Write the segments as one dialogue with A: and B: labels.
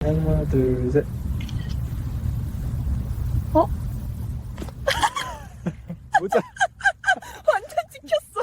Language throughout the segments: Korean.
A: 하나, 둘, 셋.
B: 어?
A: 모자.
B: 완전 찍혔어.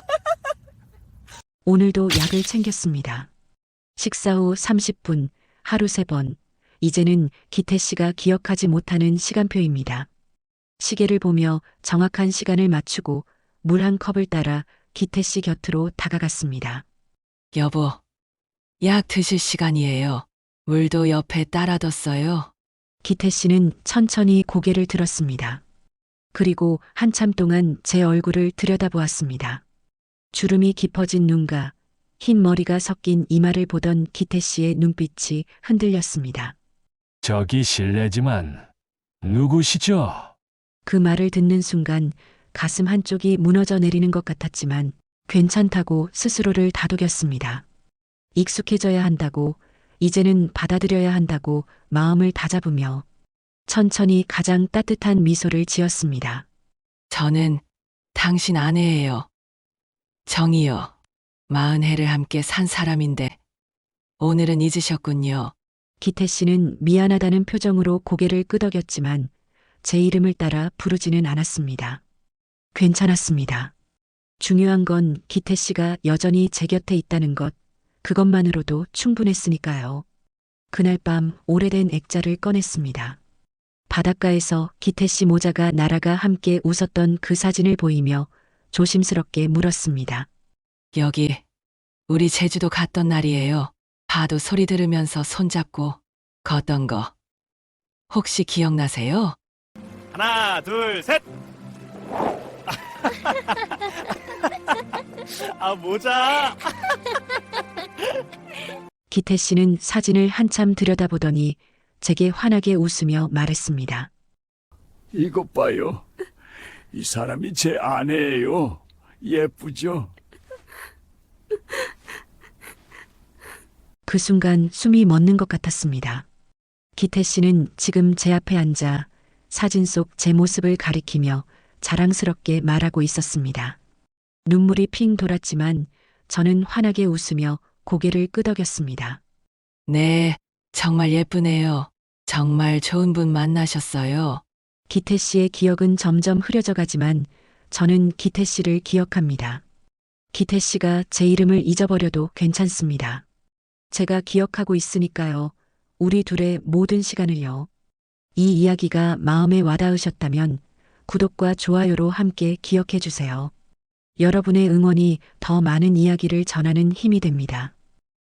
C: 오늘도 약을 챙겼습니다. 식사 후 30분, 하루 3번. 이제는 기태 씨가 기억하지 못하는 시간표입니다. 시계를 보며 정확한 시간을 맞추고 물 한 컵을 따라 기태 씨 곁으로 다가갔습니다.
D: 여보, 약 드실 시간이에요. 물도 옆에 따라뒀어요.
C: 기태 씨는 천천히 고개를 들었습니다. 그리고 한참 동안 제 얼굴을 들여다보았습니다. 주름이 깊어진 눈과 흰 머리가 섞인 이마를 보던 기태 씨의 눈빛이 흔들렸습니다.
E: 저기 실례지만 누구시죠?
C: 그 말을 듣는 순간 가슴 한쪽이 무너져 내리는 것 같았지만 괜찮다고 스스로를 다독였습니다. 익숙해져야 한다고, 이제는 받아들여야 한다고 마음을 다잡으며 천천히 가장 따뜻한 미소를 지었습니다.
D: 저는 당신 아내예요. 정이요. 40해를 함께 산 사람인데 오늘은 잊으셨군요.
C: 기태 씨는 미안하다는 표정으로 고개를 끄덕였지만 제 이름을 따라 부르지는 않았습니다. 괜찮았습니다. 중요한 건 기태 씨가 여전히 제 곁에 있다는 것, 그것만으로도 충분했으니까요. 그날 밤 오래된 액자를 꺼냈습니다. 바닷가에서 기태 씨 모자가 날아가 함께 웃었던 그 사진을 보이며 조심스럽게 물었습니다.
D: 여기 우리 제주도 갔던 날이에요. 파도 소리 들으면서 손잡고 걷던 거. 혹시 기억나세요?
A: 하나, 둘, 셋. 아, 모자.
C: 기태 씨는 사진을 한참 들여다보더니 제게 환하게 웃으며 말했습니다.
F: 이것 봐요. 이 사람이 제 아내예요. 예쁘죠?
C: 그 순간 숨이 멎는 것 같았습니다. 기태 씨는 지금 제 앞에 앉아 사진 속 제 모습을 가리키며 자랑스럽게 말하고 있었습니다. 눈물이 핑 돌았지만 저는 환하게 웃으며 고개를 끄덕였습니다.
D: 네, 정말 예쁘네요. 정말 좋은 분 만나셨어요.
C: 기태 씨의 기억은 점점 흐려져 가지만 저는 기태 씨를 기억합니다. 기태 씨가 제 이름을 잊어버려도 괜찮습니다. 제가 기억하고 있으니까요. 우리 둘의 모든 시간을요. 이 이야기가 마음에 와닿으셨다면 구독과 좋아요로 함께 기억해 주세요. 여러분의 응원이 더 많은 이야기를 전하는 힘이 됩니다.